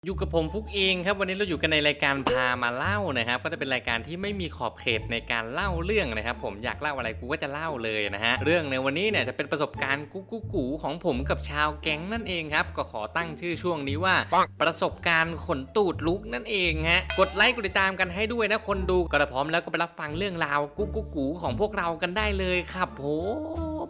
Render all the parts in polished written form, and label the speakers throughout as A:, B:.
A: อยู่กับผมฟุกเองครับวันนี้เราอยู่กันในรายการพามาเล่านะครับก็จะเป็นรายการที่ไม่มีขอบเขตในการเล่าเรื่องนะครับผมอยากเล่าอะไรกูก็จะเล่าเลยนะฮะเรื่องในวันนี้เนี่ยจะเป็นประสบการณ์กุ๊กกุ๊กกูของผมกับชาวแก๊งนั่นเองครับก็ขอตั้งชื่อช่วงนี้ว่าประสบการณ์ขนตูดลุกนั่นเองฮะกดไลค์กดติดตามกันให้ด้วยนะคนดูก็พร้อมแล้วก็ไปรับฟังเรื่องราวกุ๊กกุ๊กกูของพวกเรากันได้เลยครับผม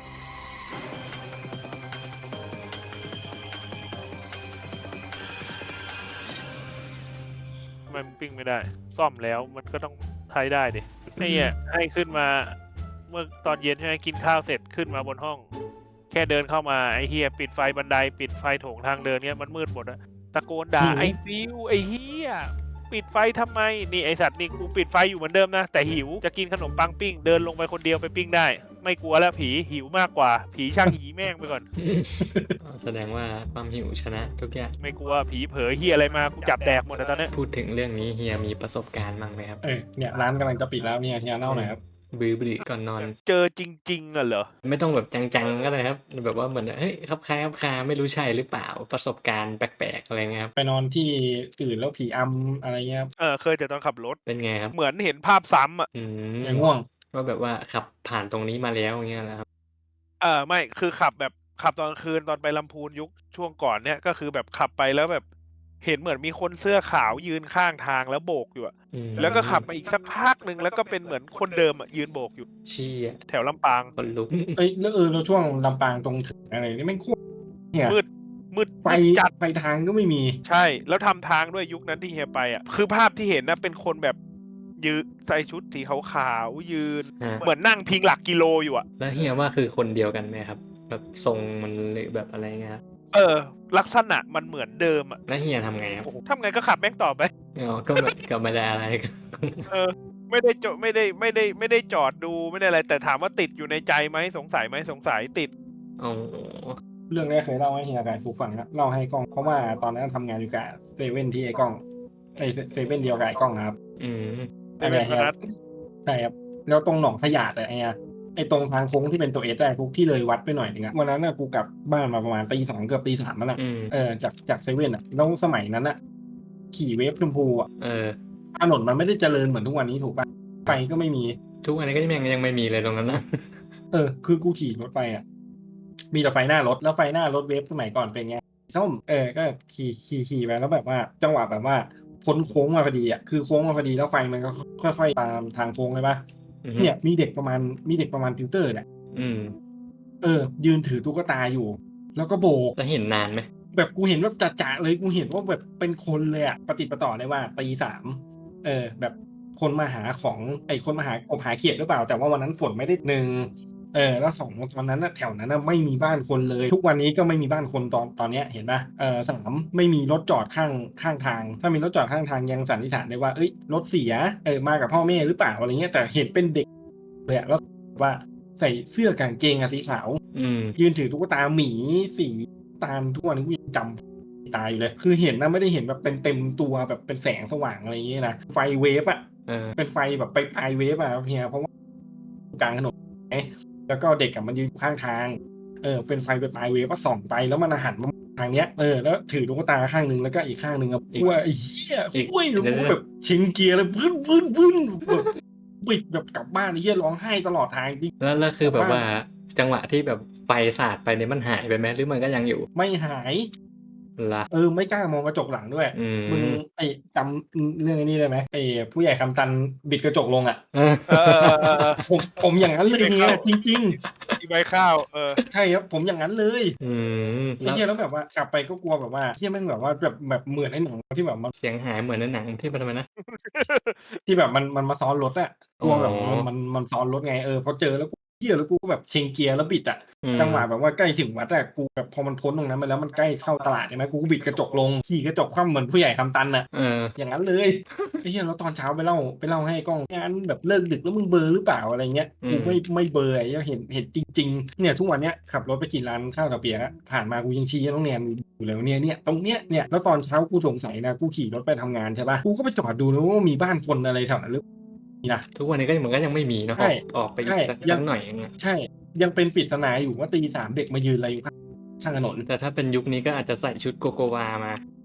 B: มันปิ้งไม่ได้ซ่อมแล้วมันก็ต้องใช้ได้ดิไอ้เนี่ยให้ขึ้นมาเมื่อตอนเย็นใช่ไหมกินข้าวเสร็จขึ้นมาบนห้องแค่เดินเข้ามาไอ้เฮียปิดไฟบันไดปิดไฟโถงทางเดินเนี่ยมันมืดหมดอะตะโกนด่าไอ้ฟิวไอ้เฮียปิดไฟทำไมนี่ไอสัตว์นี่กูปิดไฟอยู่เหมือนเดิมนะแต่หิวจะกินขนมปังปิ้งเดินลงไปคนเดียวไปปิ้งได้ไม่กลัวแล้วผีหิวมากกว่าผีช่างหีแม่งไปก่อน
A: แสดงว่าความหิวชนะทุกอย่าง
B: ไม่กลัวผีเผลอเฮียอะไรมากูจับแดกหมดแล้วตอนนี้
A: พูดถึงเรื่องนี้เฮียมีประสบการณ์บ้างไหมครับ
C: เนี่ยร้านกำลังจะปิดแล้วเนี่ยเฮียเล่าหน่อยครับ
A: บื้อก่อนนอน
B: เจอจริงๆอะเหรอ
A: ไม่ต้องแบบจังๆก็ได้ครับแบบว่าเหมือนเฮ้ยครับคล้ายครับคาไม่รู้ใช่หรือเปล่าประสบการณ์แปลกๆอะไรเงี้ยครับ
C: ไปนอนที่อื่นแล้วผีอำอะไรเงี้ยครับ
B: เคยแต่ตอนขับรถ
A: เป็นไงครับ
B: เหมือนเห็นภาพซ้ำอ่ะ
A: อืม
C: อย่างง่วง
A: ว่าแบบว่าขับผ่านตรงนี้มาแล้วอย่างเงี้ยนะครับ
B: ไม่คือขับแบบขับตอนกลางคืนตอนไปลำพูนยุคช่วงก่อนเนี่ยก็คือแบบขับไปแล้วแบบเห็นเหมือนมีคนเสื้อขาวยืนข้างทางแล้วโบกอยู่อะ
A: อืม
B: แล้วก็ขับมาอีกสักพักหนึ่งแล้วก็เป็นเหมือนคนเดิมอะยืนโบกอยู่
A: เชี่ย
B: แถวลำปาง
A: คนลุก
C: แล้วแล้วช่วงลำปางตรงถึงอะไรนี่ไม่งโคตรเนี่ย
B: มืดมืด
C: ไฟ
B: มืดจัด
C: ไฟทางก็ไม่มี
B: ใช่แล้วทำทางด้วยยุคนั้นที่เฮียไปอ่ะคือภาพที่เห็นนะเป็นคนแบบยืนใส่ชุดสีขาวๆยืน
A: ฮะ
B: เหมือนนั่งพิงหลักกิโลอยู่อ่ะ
A: แล้วเฮียว่าคือคนเดียวกันไหมครับแบบทรงมันหรือแบบอะไรเงี้ยครับ
B: ลักษณะมันเหมือนเดิมอ่ะ
A: แล้วเฮียทำไงครับ
B: โอ้โหทำไงก็ขับแม่งต่อไป
A: อ๋อก็ไม่ได้อะไรกัน
B: เออไม่ได้จอดไม่ได้จอดดูไม่ได้อะไรแต่ถามว่าติดอยู่ในใจไหมสงสัยไหมสงสัยติด
A: อ๋อ
C: เรื่องแรกเคยเล่าให้เฮียกับฟูฟังนะเล่าให้กล้องเพราะว่าตอนนั้นทำงานอยู่กับเซเว่นที่ไอ้กล้องไอ้เซเว่นเดียวกับไอ้กล้องนะครับ
A: อืม
C: อันเนี้ย
B: เซ
C: เฮีย
B: เว่นพนัส
C: ใช่ครับแล้วตรงหนองขยะแต่ไอ้ตรงทางโค้งที่เป็นตัวเอสได้ทุกที่เลยวัดไปหน่อยนึงอะวันนั้นน่ะกูกลับบ้านมาประมาณตี 2เกือบตี 3แล้วแหละ
A: อืม
C: จากเซเว่นอะแล้วสมัยนั้นอะขี่เวฟชมพูอะ
A: เออ
C: ถนนมันไม่ได้เจริญเหมือนทุกวันนี้ถูกป่ะไฟก็ไม่มี
A: ทุกวันนี้ก็ยังไม่มีเลยตรงนั้นนะ
C: คือกูขี่รถไปอ่ะมีแต่ไฟหน้ารถแล้วไฟหน้ารถเวฟสมัยก่อนเป็นไงส้มก็ขี่ไปแล้วแบบว่าจังหวะแบบว่าพ้นโค้งมาพอดีอ่ะคือโค้งมาพอดีแล้วไฟมันก็ค่อยๆตามทางโค้งเลยป่ะเนี่ยมีเด็กประมาณติวเตอร์เนี่ย
A: อืม
C: ยืนถือตุ๊กตาอยู่ แล้วก็โบก
A: แล้วเห็นนานไหม
C: แบบกูเห็นแบบจะๆเลยกูเห็นว่าแบบเป็นคนเลยอ่ะประติดประต่อได้ว่าตี 3แบบคนมาหาของคนมาหากบหาเขียดหรือเปล่าแต่ว่าวันนั้นฝนไม่ได้1แล้ว2ตอนนั้นน่ะแถวนั้นน่ะไม่มีบ้านคนเลยทุกวันนี้ก็ไม่มีบ้านคนตอนเนี้ยเห็นเปล่า3ไม่มีรถจอดข้างทางถ้ามีรถจอดข้างทางยังสันนิษฐานได้ว่าเฮ้ยรถเสียมากับพ่อแม่หรือเปล่าอะไรเงี้ยแต่เห็นเป็นเด็กเลยอะแล้วว่าใส่เสื้อกับกางเกงอะสีขาว
A: อืม
C: ยืนถือตุ๊กตาหมีสีตาลทุกวันนี้กูยังจำตายอยู่เลยคือเห็นนะไม่ได้เห็นแบบเต็มตัวแบบเป็นแสงสว่างอะไรอย่างเงี้ยนะไฟเวฟอะเป็นไฟแบบไปปลายเวฟอะเฮียเพราะว่ากลางถนนแล้วก็เด็กมันยืนอยู่ข้างทางเป็นไฟไปปลายเวฟก็ส่องไปแล้วมันหันมาทางเนี้ยแล้วถือตุ๊กตาข้างนึงแล้วก็อีกข้างนึงอะว่าไอ้เหี้ยคุยแล้วกูแบบชิงเกียร์เลยบึ้นแบบบิดแบบกลับบ้านไอ้เหี้ยร้องไห้ตลอดทางจริง
A: แล้วคือแบบว่าจังหวะที่แบบไฟสาดไปเนี่ยมันหายไปไหมหรือมันก็ยังอยู่
C: ไม่หาย
A: ละ
C: ไม่กล้ามองกระจกหลังด้วย
A: อืม
C: มึงจำเรื่องไอ้นี้ได้ไหมผู้ใหญ่คำตันบิดกระจกลงอ่ะ
B: เออ
C: ผมอย่างนั้นเลยเนี่ยจริง
B: ที่ใบข้าว
C: ๆ ใช่ครับผมอย่างนั้นเลย
A: อืม
C: ไอ้เหี้ยแล้วแบบว่ากลับไปก็กลัวแบบว่าเหี้ยแม่งแบบว่าแบบเหมือนไอ้หนังที่แบบมัน
A: เสียงหายเหมือนในหนังที่มันทำไมนะ
C: ที่แบบมันมาซ้อนรถอะกลัวแบบ
A: อ๋อ
C: มันซ้อนรถไงพอเจอแล้วกูเหี้ยแล้วกูก็แบบเชงเกียร์แล้วบิดอะ
A: อืม
C: จังหวะแบบว่าใกล้ถึงวัดอะกูแบบพอมันพ้นตรงนั้นมาแล้วมันใกล้เข้าตลาดใช่ไหมกูก็บิดกระจกลงขี่กระจกคว่ำเหมือนผู้ใหญ่คำตันอะ อย่างนั้นเลยไอ้เหี้ยแล้วตอนเช้าไปเล่าให้กล้องงานแบบเลิกดึกแล้วมึงเบลอหรือเปล่าอะไรเงี้ยกูไม่เบลอไอ้เหี้ยเห็นจริงๆเนี่ยทุกวันเนี้ยขับรถไปกินร้านข้าวตาเปียกผ่านมากูยังชี้น้องแนนอยู่เลยเนี่ยตรงเนี้ยเนี่ยแล้วตอนเช้ากูสงสัยนะกูขี่รถไปทำงานใช่ป่ะกูก็ไปจอดดูนะว่ามีบ้านคนอะไรแถวนั้นหรือนะ
A: ทุกวันนี้ก็เหมือนก็ยังไม่มีเนาะ
C: ใช่
A: ออกไปอีกสักหน่อยอย่างเงี้ย
C: ใช่ยังเป็นปริศนาอยู่ว่าตี 3เด็กมายืนอะไรอยู่ข้างถนน
A: แต่ถ้าเป็นยุคนี้ก็อาจจะใส่ชุดโกโกวามา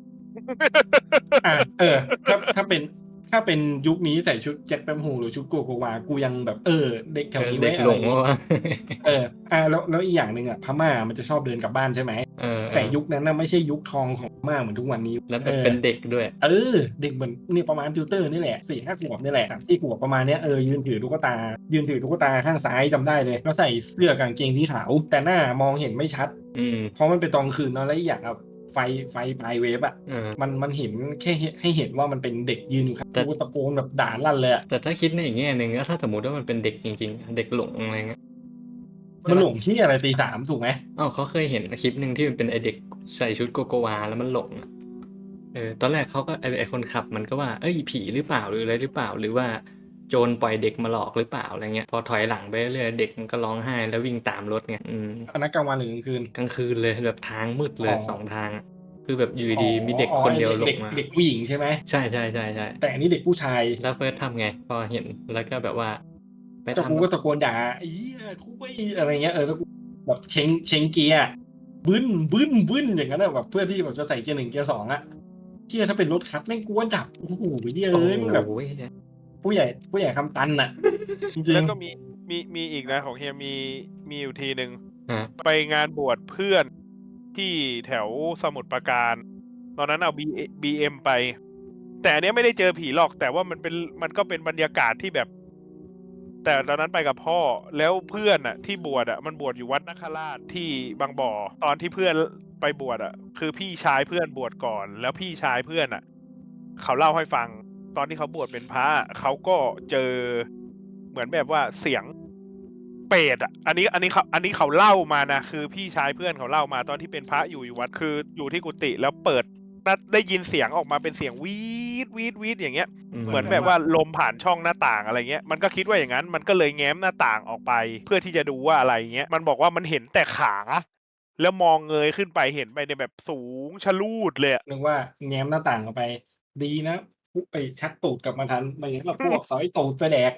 C: อ่ะถ้าเป็นยุคนี้ใส่ชุดแจ็คแปมโฮหรือชุดโกโกวากูยังแบบเด็กแถวนี้
A: เด็
C: ไว้
A: ก
C: อะ
A: หล
C: ไรง อย่างงี้
A: ว่า
C: แล้วอีกอย่างหนึ่งอ่ะพม่ามันจะชอบเดินกลับบ้านใช่ไหมแต่ยุคนั้นน่ะไม่ใช่ยุคทองของพม่าเหมือนทุกวันนี้
A: แล้วแบบเป็นเด็กด้วย
C: เด็กเหมือนนี่ประมาณติวเตอร์นี่แหละ4-5 ขวบนี่แหละที่ขวบประมาณเนี้ยยืนถือตุ๊กตาข้างซ้ายจำได้เลยแล้วใส่เสื้อกางเกงสีขาวแต่หน้ามองเห็นไม่ชัดเพราะมันเป็นตอนคืนเนาะแล้วอีกอย่างอ่ะไฟปลายเวฟอ่ะมันเห็นแค่ให้เห็นว่ามันเป็นเด็กยืนอยู่ครับกูตะโกนแบบด่าลั่นเลยอ่ะ
A: แต่ถ้าคิดในอีกแง่หนึ่งก็ถ้าสมมติว่ามันเป็นเด็กจริงๆเด็กหลงอะไรเงี้ย
C: มันหลงที่อะไรตี 3ถูกไหม
A: เขาเคยเห็นคลิปหนึ่งที่มันเป็นไอเด็กใส่ชุดโกโกวาแล้วมันหลงอะตอนแรกเขาก็ไอคนขับมันก็ว่าผีหรือเปล่าหรืออะไรหรือเปล่าหรือว่าโจรปล่อยเด็กมาหลอกหรือเปล่าอะไรเงี้ยพอถอยหลังไปเรื่อยเด็กมันก็ร้องไห้แล้ววิ่งตามรถไง
C: อันนั้นกลางวันหรือกลางคืน
A: กลางคืนเลยแบบทางมืดเลย2 ทางคือแบบอยู่ดีมีเด็กคนเดียวหลงมา
C: เด็กผู้หญิงใช่ไหม
A: ใช่
C: แต่อันนี้เด็กผู้ชาย
A: แล้วเฟิร์สทำไงพอเห็นแล้วก็แบบว่าไป
C: แต่กูก็ตะโกนด่าไอ้เหี้ยคุยอะไรเงี้ยแล้วกูแบบเชงเกียร์บึ้นอย่างนั้นแบบเพื่อที่แบบจะใส่เกียร์ 1 เกียร์ 2อ่ะเชี่ยถ้าเป็นรถคัดแม่งกูว่าดับโอ้โหมึงแบบผู้ใหญ่คำตันอ่ะจริง
B: แล้วก็มีอีกนะของเฮียมีอยู่ทีหนึ่งไปงานบวชเพื่อนที่แถวสมุทรปราการตอนนั้นเอาBM ไปแต่อันเนี้ยไม่ได้เจอผีหรอกแต่ว่ามันก็เป็นบรรยากาศที่แบบแต่ตอนนั้นไปกับพ่อแล้วเพื่อนอ่ะที่บวชอ่ะมันบวชอยู่วัดนคราชที่บางบ่อตอนที่เพื่อนไปบวชอ่ะคือพี่ชายเพื่อนบวชก่อนแล้วพี่ชายเพื่อนอ่ะเขาเล่าให้ฟังตอนที่เขาบวชเป็นพระเขาก็เจอเหมือนแบบว่าเสียงเปรตอ่ะอันนี้เขาเล่ามานะคือพี่ชายเพื่อนเขาเล่ามาตอนที่เป็นพระอยู่วัดคืออยู่ที่กุฏิแล้วเปิดได้ยินเสียงออกมาเป็นเสียงวีดอย่างเงี้ยเหมือนแบบว่าลมผ่านช่องหน้าต่างอะไรเงี้ยมันก็คิดว่าอย่างนั้นมันก็เลยแง้มหน้าต่างออกไปเพื่อที่จะดูว่าอะไรเงี้ยมันบอกว่ามันเห็นแต่ขาแล้วมองเงยขึ้นไปเห็นไปในแบบสูงชะลูดเลย
C: นึกว่าแง้มหน้าต่างออกไปดีนะชักตูดกลับมาทันไม่งั้นเราพวกสอยตูดไปแดก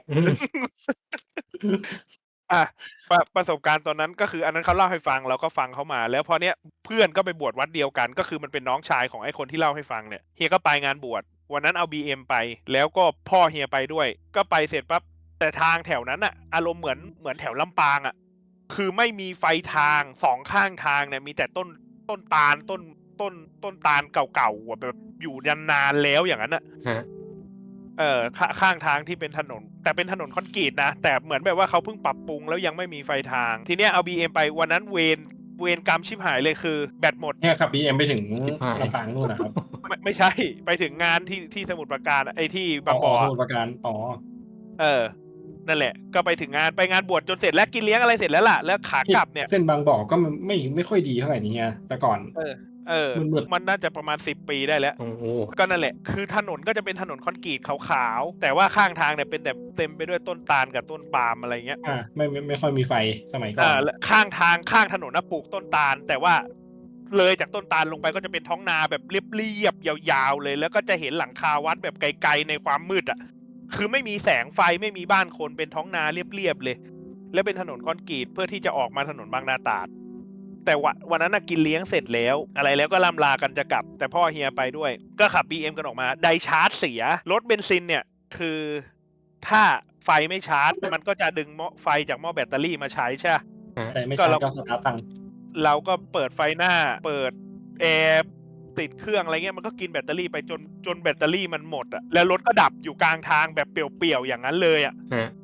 B: ประสบการณ์ตอนนั้นก็คืออันนั้นเขาเล่าให้ฟังเราก็ฟังเขามาแล้วพอเนี้ยเพื่อนก็ไปบวชวัดเดียวกันก็คือมันเป็นน้องชายของไอ้คนที่เล่าให้ฟังเนี่ยเฮียก็ไปงานบวชวันนั้นเอา BM ไปแล้วก็พ่อเฮียไปด้วยก็ไปเสร็จปั๊บแต่ทางแถวนั้นอะอารมณ์เหมือนแถวลำปางอะคือไม่มีไฟทาง2 ข้างทางเนี่ยมีแต่ต้นตาลต้นตาลเก่าๆแบบอยู่นานๆแล้วอย่างนั้นอะข้างทางที่เป็นถนนแต่เป็นถนนคอนกรีตนะแต่เหมือนแบบว่าเขาเพิ่งปรับปรุงแล้วยังไม่มีไฟทางทีเนี้ยเอา BM ไปวันนั้นเวรกรรมชิบหายเลยคือแบตหมด
C: เนี่ยขับ BM ไปถึงลำปางนู่นนะครับ
B: ไม่ใช่ไปถึงงานที่สมุทรปราการไอ้ที่บางบ่อ
C: สมุทรปราการ
B: นั่นแหละก็ไปถึงไปงานบวชจนเสร็จแล้วกินเลี้ยงอะไรเสร็จแล้วล่ะแล้วขากลับเนี่ย
C: เส้นบางบ่อก็ไม่ค่อยดีเท่าไหร่นี่ไงแต่ก่อน
B: มันน่าจะประมาณ10 ปีได้แล้วก็นั่นแหละคือถนนก็จะเป็นถนนคอนกรีตขาวๆแต่ว่าข้างทางเนี่ยเป็นแต่เต็มไปด้วยต้นตาลกับต้นปาล์มอะไรเงี้ย
C: ไม่ค่อยมีไฟสมัยก่อน
B: ข้างถนนปลูกต้นตาลแต่ว่าเลยจากต้นตาลลงไปก็จะเป็นท้องนาแบบเรียบๆยาวๆเลยแล้วก็จะเห็นหลังคาวัดแบบไกลๆในความมืดอ่ะคือไม่มีแสงไฟไม่มีบ้านคนเป็นท้องนาเรียบๆเลยแล้วเป็นถนนคอนกรีตเพื่อที่จะออกมาถนนบางนาตราดแต่วันนั้นกินเลี้ยงเสร็จแล้วอะไรแล้วก็ล่ำลากันจะกลับแต่พ่อเฮียไปด้วยก็ขับ BM กันออกมาไดชาร์จเสียรถเบนซินเนี่ยคือถ้าไฟไม่ชาร์จมันก็จะดึงไฟจากหม้อแบตเตอรี่มาใช้ใช่
C: แต่ไม่ใช่ก็สตาร์ทตัง
B: เราก็เปิดไฟหน้าเปิดแอร์ติดเครื่องอะไรเงี้ยมันก็กินแบตเตอรี่ไปจนแบตเตอรี่มันหมดอ่ะแล้วรถก็ดับอยู่กลางทางแบบเปลี่ยวๆอย่างนั้นเลยอ่ะ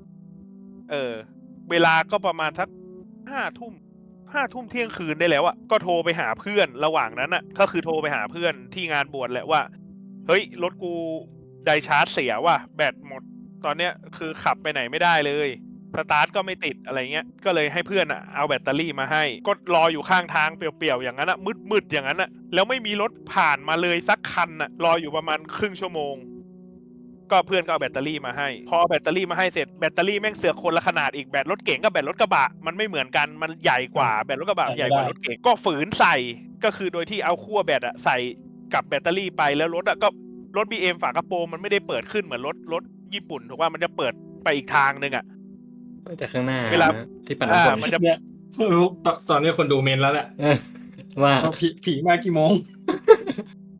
B: เวลาก็ประมาณสัก5 ทุ่มเที่ยงคืนได้แล้วอ่ะก็โทรไปหาเพื่อนระหว่างนั้นอ่ะก็คือโทรไปหาเพื่อนที่งานบวชแหละว่าเฮ้ยรถกูไดชาร์จเสียว่ะแบตหมดตอนเนี้ยคือขับไปไหนไม่ได้เลยสตาร์ทก็ไม่ติดอะไรเงี้ยก็เลยให้เพื่อนเอาแบตเตอรี่มาให้ก็รออยู่ข้างทางเปลี่ยวๆอย่างนั้นมืดๆอย่างนั้นแล้วไม่มีรถผ่านมาเลยสักคันรออยู่ประมาณครึ่งชั่วโมงก็เพื่อนก็เอาแบตเตอรี่มาให้พอแบตเตอรี่มาให้เสร็จแบตเตอรี่แม่งเสือกคนละขนาดอีกแบตรถเก๋งกับแบตรถกระบะมันไม่เหมือนกันมันใหญ่กว่าแบตรถกระบะใหญ่กว่ารถเก๋งก็ฝืนใส่ก็คือโดยที่เอาขั้วแบตใส่กับแบตเตอรี่ไปแล้วรถก็รถ BM ฝากระโปรงมันไม่ได้เปิดขึ้นเหมือนรถญี่ปุ่นถูกว่ามันจะเปิดไปอีกทางนึง
A: แต่ข้างหน้า
B: เวลา
A: ที่ปั่นน้ำ
C: มันจะตอนนี้คนดูเมนแล้วแหละ
A: ว่า
C: ผีมากี่โมง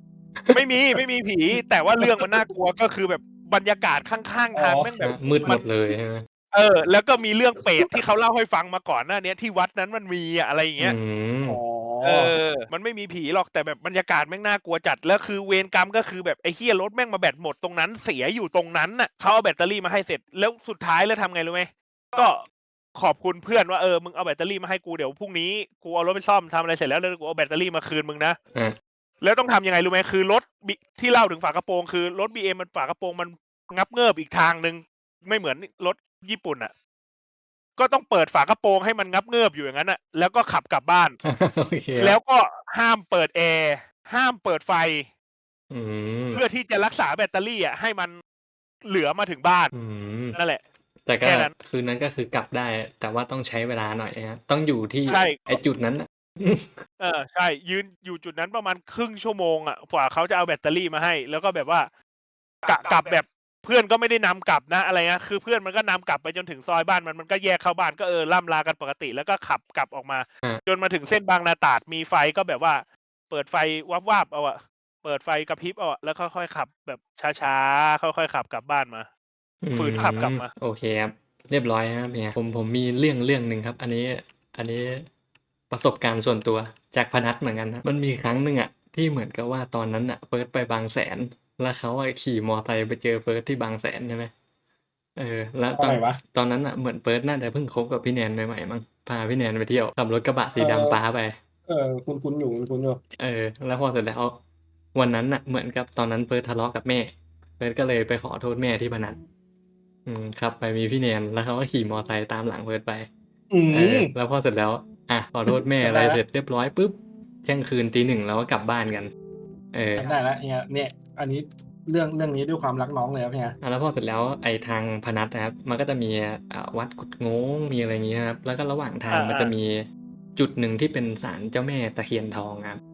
B: ไม่มีผี แต่ว่าเรื่องมันน่ากลัวก็คือแบบบรรยากาศข้างๆทางแม่งแบบ
A: มืดหมดเลยใช่ไหม
B: แล้วก็มีเรื่องเปรตที่เขาเล่าให้ฟังมาก่อนหน้าเนี้ยที่วัดนั้นมันมีอะไรอย่างเงี้ย
C: อ๋อ
B: มันไม่มีผีหรอกแต่แบบบรรยากาศแม่งน่ากลัวจัดแล้วคือเวรกรรมก็คือแบบไอ้เหี้ยรถแม่งมาแบตหมดตรงนั้นเสียอยู่ตรงนั้นน่ะเขาเอาแบตเตอรี่มาให้เสร็จแล้วสุดท้ายแล้วทำไงรู้ไหมก็ขอบคุณเพื่อนว่ามึงเอาแบตเตอรี่มาให้กูเดี๋ยวพรุ่งนี้กูเอารถไปซ่อมทำอะไรเสร็จแล้วกูเอาแบตเตอรี่มาคืนมึงนะ
A: อ่ะ
B: แล้วต้องทำยังไงรู้ไหมคือรถที่เล่าถึงฝากระโปรงคือรถ BM มันฝากระโปรงมันงับเงิบอีกทางนึงไม่เหมือนรถญี่ปุ่นอ่ะก็ต้องเปิดฝากระโปรงให้มันงับเงิบอยู่อย่างนั้นอ่ะแล้วก็ขับกลับบ้าน
A: โอเค
B: แล้วก็ห้ามเปิดแอร์ห้ามเปิดไฟ
A: อืม
B: เพื่อที่จะรักษาแบตเตอรี่อ่ะให้มันเหลือมาถึงบ้าน
A: อืม
B: นั่นแหละ
A: แต่ก็
B: แค่นั้น
A: คืนนั้นก็คือกลับได้ แต่ว่าต้องใช้เวลาหน่อยนะต้องอยู่ที่
B: ใช่
A: ไอ้จุดนั้นน่ะ
B: ใช่ยืนอยู่จุดนั้นประมาณครึ่งชั่วโมงอ่ะกว่าเขาจะเอาแบตเตอรี่มาให้ แล้วก็แบบว่ากลับแบบเพื่อนก็ไม่ได้นำกลับนะอะไรนะคือเพื่อนมันก็นำกลับไปจนถึงซอยบ้านมันก็แยกเข้าบ้านก็ล่ำลากันปกติแล้วก็ขับกลับออกมา จนมาถึงเส้นบางนาตราดมีไฟก็แบบว่า เปิดไฟวับๆเอาอะเปิดไฟกระพริบเอาอะแล้วค่อยๆขับแบบช้าๆค่อยๆขับกลับบ้านมา ฝืนขับกลับมา
A: โอเคครับเรียบร้อยครับเนี่ยผมมีเรื่องหนึ่งครับ อันนี้ประสบการณ์ส่วนตัวจากพนัสเหมือนกันนะมันมีครั้งหนึ่งอ่ะที่เหมือนกับว่าตอนนั้นอ่ะเฟิร์สไปบางแสน แล้วเขาอะขี่มอไซค์ไปเจอเฟิร์สที่บางแสนใช่ไหมแล้วตอน
C: อะไรวะ
A: ตอนนั้นอ่ะเหมือนเฟิร์สน่าจะเพิ่งคบกับพี่แนนใหม่ๆมั้งพาพี่แนนไปเที่ยวขับรถกระบะสีดำป้าไป
C: คุณอยู่คุณอยู่
A: แล้วพอเสร็จแล้ววันนั้นน่ะเหมือนกับตอนนั้นเฟิร์สทะเลาะกับแม่เฟิร์สก็เลยไปขอโทษแม่ที่พนัสครับไปมีพี่แนนแล้วเขาก็ขี่มอไซค์ตามหลังเฟิร์สไป
C: อืม
A: แล้วพอเสร็จแล้วขอโทษแม่
C: จำ
A: อะไร
C: ได้ละ
A: เสร็จเรียบร้อยปุ๊บเที่ยงคืนตีหนึ่งแล้วก็กลับบ้านกัน
C: จำได้แล้วเนี่ย อันนี้เรื่องนี้ด้วยความรักน้องเลยครับเนี่ย
A: แล้วพอเสร็จแล้วไอ้ทางพนัสนะครับ มันก็จะมีวัดกุดโง้งมีอะไรอย่างเงี้ยครับ แล้วก็ระหว่างทางมันจะมีจุดหนึ่งที่เป็นศาลเจ้าแม่ตะเคียนทองครับ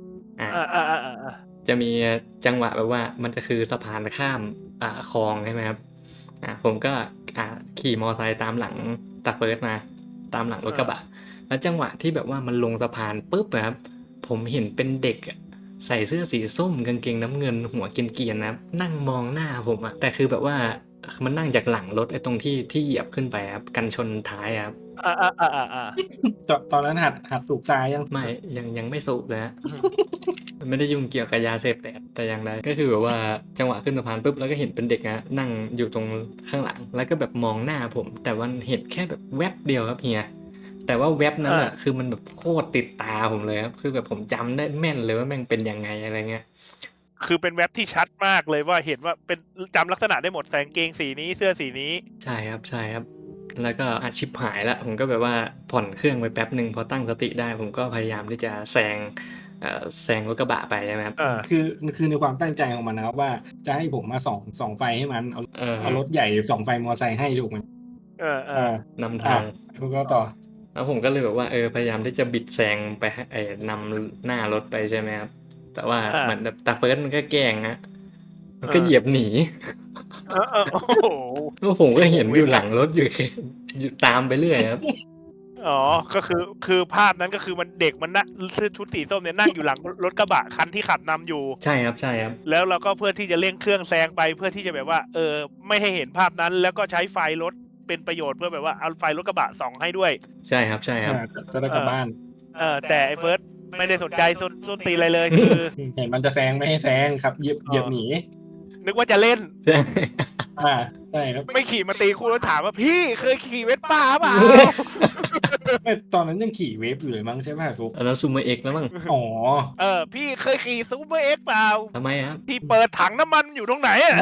A: จะมีจังหวะแบบว่ามันจะคือสะพานข้ามคลองใช่ไหมครับผมก็ขี่มอไซค์ตามหลังตาเฟิร์สมาตามหลังรถกระบะแล้วจังหวะที่แบบว่ามันลงสะพานปุ๊บนะครับผมเห็นเป็นเด็กอะใส่เสื้อสีส้มกางเกงน้ำเงินหัวเกรียนๆนะครับนั่งมองหน้าผมอะแต่คือแบบว่ามันนั่งจากหลังรถไอ้ตรงที่เหยียบขึ้นไปครับกันชนท้ายครับ
C: ตอนนั้นหัดสูบทรายยัง
A: ไม่ยังไม่สูบเลยฮะ ไม่ได้ยุ่งเกี่ยวกับยาเสพติดแต่อย่างใดก็คือแบบว่าจังหวะขึ้นสะพานปุ๊บแล้วก็เห็นเป็นเด็กนะนั่งอยู่ตรงข้างหลัง แล้วก็แบบมองหน้าผม แต่วันเห็นแค่แบบแวบเดียวครับเฮียแต่ว่าแวบนั้นอ่ะคือมันแบบโคตรติดตาผมเลยครับคือแบบผมจำได้แม่นเลยว่าแม่งเป็นยังไงอะไรเงี้ย
B: คือเป็นเว็บที่ชัดมากเลยว่าเห็นว่าเป็นจำลักษณะได้หมดใส่กางเกงสีนี้เสื้อสีนี้
A: ใช่ครับแล้วก็ชิบหายละผมก็แบบว่าผ่อนเครื่องไปแป๊บหนึ่งพอตั้งสติได้ ผมก็พยายามที่จะแซงรถกระบะไปใช่ไหมครับ
C: คือในความตั้งใจของมันนะครับว่าจะให้ผมมาส่องไฟให้มันเอารถใหญ่ส่องไฟมอไซค์ให้ถูกไหม
A: นำทาง
C: คุณก็ต่อ
A: แล้วผมก็เลยแบบว่าพยายามที่จะบิดแซงไปนำหน้ารถไปใช่ไหมครับแต่ว่าเหมือนแบบตาเฟิร์สมันก็แกล้งนะมันก็เหยียบหนี
B: โอ้โห
A: แล้วผมก็เห็นอยู่หลังรถอยู่แค่อยู่ตามไปเรื่อยครับ
B: อ๋อก็คือภาพนั้นก็คือมันเด็กมันนั่งเสื้อชุดสีส้มเนี่ยนั่งอยู่หลังรถกระบะคันที่ขับนำอยู่
A: ใช่ครับ
B: แล้วเราก็เพื่อที่จะเร่งเครื่องแซงไปเพื่อที่จะแบบว่าไม่ให้เห็นภาพนั้น แล้วก็ใช้ไฟรถเป็นประโยชน์เพื่อแบบว่าเอาไฟรถกระบะส่องให้ด้วย
A: ใช่ครับ
C: จะได้กลับบ้าน
B: แต่ไอ้เฟิร์สไม่ได้สนใจส้นตีนอะไรเลยคือ
C: เห็นมันจะแซงไม่ให้แซงครับเหยียบหนี
B: นึกว่าจะเล่น
A: ใช่
C: ใช่ครับ
B: ไม่ขี่มาตีคู่แล้วถามว่าพี่เคยขี่เวสป้าเปล่า
C: ตอนนั้นยังขี่เวฟอยู่เลยมั้งใช่ไหมฟุก
A: อันนั้นซูเมอร์เอ็กแล้วมั้ง
C: อ๋อ
B: พี่เคยขี่ซูเปอร์เอ็กซ์เปล่า
A: ทำไมครับ
B: ที่เปิดถังน้ำมันอยู่ตรงไหนอ่ะ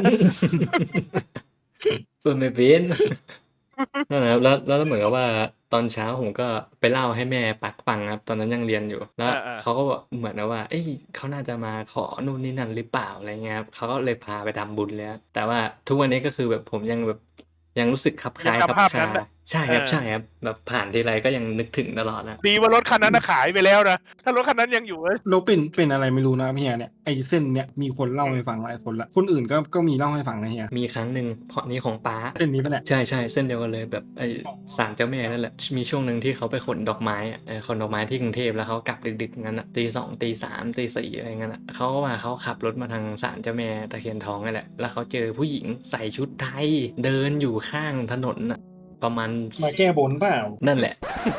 A: เปิดไม่เป็นนั่นแหละครับแล้วเหมือนกับว่าตอนเช้าผมก็ไปเล่าให้แม่ปักฟังครับตอนนั้นยังเรียนอยู่แล้วเขาก็บอกเหมือนว่าเขาน่าจะมาขอนู่นนี่นั่นหรือเปล่าอะไรเงี้ยครับเขาก็เลยพาไปทำบุญแล้วแต่ว่าทุกวันนี้ก็คือแบบผมยังแบบยังรู้สึกขับคล้ายขับคาใช่ครับใช่ครับแบบผ่านทีไรก็ยังนึกถึงตลอดนะ
B: ดีว่ารถคันนั้นขายไปแล้วนะถ้ารถคันนั้นยังอยู่
C: เราเป็นอะไรไม่รู้นะเฮียเนี่ยไอ้เส้นเนี่ยมีคนเล่าให้ฟังหลายคนละคนอื่นก็มีเล่าให้ฟังนะเฮีย
A: มีครั้งหนึ่งเพราะนี้ของป้า
C: เส้นนี้ปะเนี่ย
A: ใช่ใช่เส้นเดียวกันเลยแบบไอศาลเจ้าแม่นั่นแหละมีช่วงหนึ่งที่เขาไปขนดอกไม้อะขนดอกไม้ที่กรุงเทพแล้วเขากลับดึกๆงั้นอ่ะตี 2ตี 3ตี 4อะไรเงี้ยอ่ะเขาก็ว่าเขาขับรถมาทางศาลเจ้าแม่ตะเคียนทองนั่นแหละแล้วเขาเจอผู้หญิงใส่ชุดไทยเดินอยู่ข้างถนนอ่ะประมาณ
C: มาแก้บนเปล่า
A: นั่นแหละ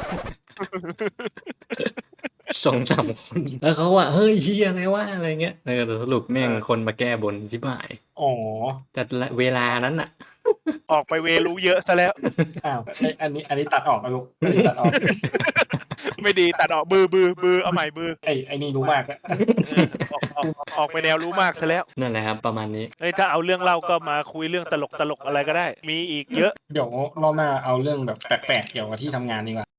A: 2-3 คนแล้วเขาว่าเฮ้ยเฮียอะไรวะอะไรเงี้ยแต่สรุปแม่งคนมาแก้บนชิบหาย
C: อ๋อ
A: แต่เวลานั้นอ่ะ
B: ออกไปเวรู้เยอะซะแล้ว
C: อ้าวอันนี้ตัดออกอะลูกอันนี้ตัดออก
B: ไม่ดีตัดออกบือเอาใหม่บือ
C: ไอ้นี่รู้มากอะ
B: ออกไปแนวรู้มากซะแล้ว
A: นั่นแหละครับประมาณนี้
B: เฮ้ยถ้าเอาเรื่องเล่าก็มาคุยเรื่องตลกอะไรก็ได้ มีอีกเยอะ
C: เดี๋ยวรอบหน้าเอาเรื่องแบบแปลกๆเกี่ยวกับที่ทำงานดีกว่า